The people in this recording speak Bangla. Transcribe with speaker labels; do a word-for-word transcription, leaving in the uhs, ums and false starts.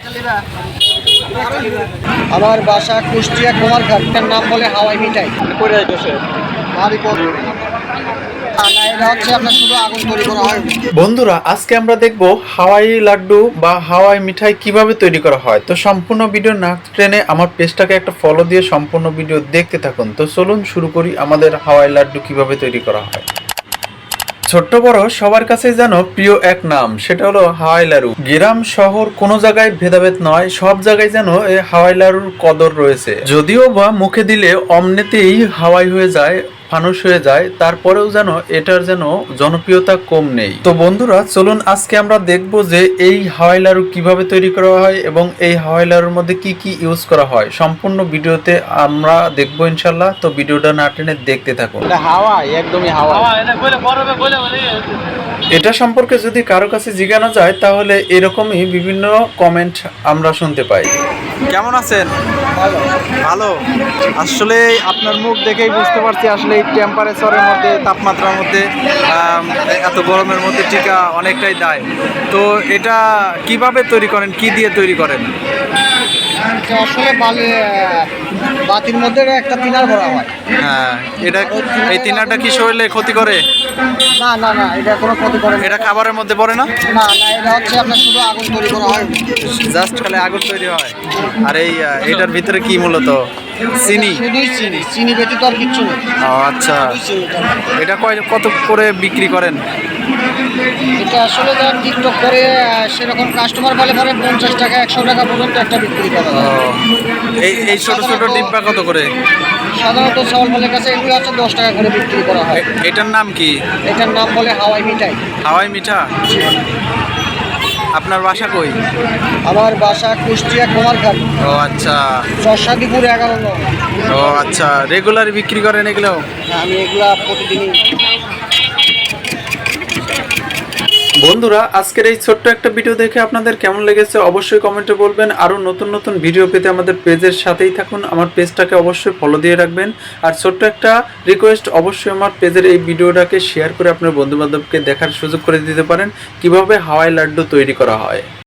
Speaker 1: আমার বাসা কুষ্টিয়া কুমারঘাট, তার নাম বলে হাওয়াই মিঠাই।
Speaker 2: করে যাইতেছে
Speaker 3: বন্ধুরা, আজকে আমরা দেখব হাওয়াই লাড্ডু বা হাওয়াই মিঠাই কিভাবে তৈরি করা হয়। তো সম্পূর্ণ ভিডিও না টেনে আমার পেজটাকে একটা ফলো দিয়ে সম্পূর্ণ ভিডিও দেখতে থাকুন। তো চলুন শুরু করি আমাদের হাওয়াই লাড্ডু কিভাবে তৈরি করা হয়। ছোট্ট বড় সবার কাছে যেন প্রিয় এক নাম, সেটা হলো হাওয়াই লাড়ু। গ্রাম শহর কোনো জায়গায় ভেদাভেদ নয়, সব জায়গায় যেন এই হাওয়াই লাড়ুর কদর রয়েছে। যদিও বা মুখে দিলে অমনিতেই হাওয়াই হয়ে যায়, ফানুস হয়ে যায়, তারপরেও যেন এটার যেন জনপ্রিয়তা কম নেই। তো বন্ধুরা চলুন আজকে আমরা দেখব যে এই হাওয়াই লাড়ু কিভাবে তৈরি করা হয় এবং এই হাওয়াই লাড়ুর মধ্যে কি কি ইউজ করা হয়। সম্পূর্ণ ভিডিওতে আমরা দেখবো ইনশাল্লাহ। তো ভিডিওটা না টেনে দেখতে থাকুন।
Speaker 2: হাওয়াই একদমই হাওয়াই।
Speaker 3: এটা সম্পর্কে যদি কারো কাছে জিজ্ঞাসা যায় তাহলে এরকমই বিভিন্ন কমেন্ট আমরা শুনতে পাই।
Speaker 2: কেমন আছেন?
Speaker 1: ভালো
Speaker 2: ভালো। আসলে আপনার মুখ দেখেই বুঝতে পারছি আসলে এই টেম্পারেচারের মধ্যে, তাপমাত্রার মধ্যে, এত গরমের মধ্যে টিকা অনেকটাই দায়। তো এটা কিভাবে তৈরি করেন, কি দিয়ে তৈরি করেন?
Speaker 1: আসলে বালি বাতির মধ্যে একটা তিনার ভরা হয়।
Speaker 2: হ্যাঁ, এটা এই তিনাটা কি শরীরে ক্ষতি করে?
Speaker 1: না না না, এটা কোনো ক্ষতি করে না।
Speaker 2: এটা খাবারের মধ্যে পড়ে না?
Speaker 1: না না, এটা হচ্ছে আপনার শুধু আগুন তৈরি করা হয়,
Speaker 2: জাস্ট খালি আগুন তৈরি হয়। আর এই এটার ভিতরে কি মূলত? চিনি?
Speaker 1: শুধুই চিনি, চিনি ব্যতীত আর কিচ্ছু নেই।
Speaker 2: ও আচ্ছা। এটা কয় কত করে বিক্রি করেন?
Speaker 1: এটা আসলে যারা টিকটক করে সেরকম কাস্টমার বলে পরে পঞ্চাশ টাকা একশো টাকা পর্যন্ত একটা বিক্রি করা হয়।
Speaker 2: এই এই ছোট ছোট ডিব্বা কত করে?
Speaker 1: সাধারণত চাউল ফলের কাছে এগুলো হচ্ছে দশ টাকা করে বিক্রি করা হয়।
Speaker 2: এটার নাম কি?
Speaker 1: এটার নাম বলে হাওয়াই মিঠাই।
Speaker 2: হাওয়াই মিঠা। আপনার বাসা কই?
Speaker 1: আমার বাসা কুষ্টিয়া কুমারঘাট।
Speaker 2: ও আচ্ছা।
Speaker 1: চরসাদিপুর এগারো নং।
Speaker 2: ও আচ্ছা, রেগুলার বিক্রি করেন এগুলো?
Speaker 1: আমি এগুলা প্রতিদিনই।
Speaker 3: বন্ধুরা, আজকের এই ছোট্ট একটা ভিডিও দেখে আপনাদের কেমন লেগেছে অবশ্যই কমেন্টে বলবেন। আরও নতুন নতুন ভিডিও পেতে আমাদের পেজের সাথেই থাকুন, আমার পেজটাকে অবশ্যই ফলো দিয়ে রাখবেন। আর ছোট্ট একটা রিকোয়েস্ট, অবশ্যই আমার পেজের এই ভিডিওটাকে শেয়ার করে আপনার বন্ধুবান্ধবকে দেখার সুযোগ করে দিতে পারেন কিভাবে হাওয়াই লাড্ডু তৈরি করা হয়।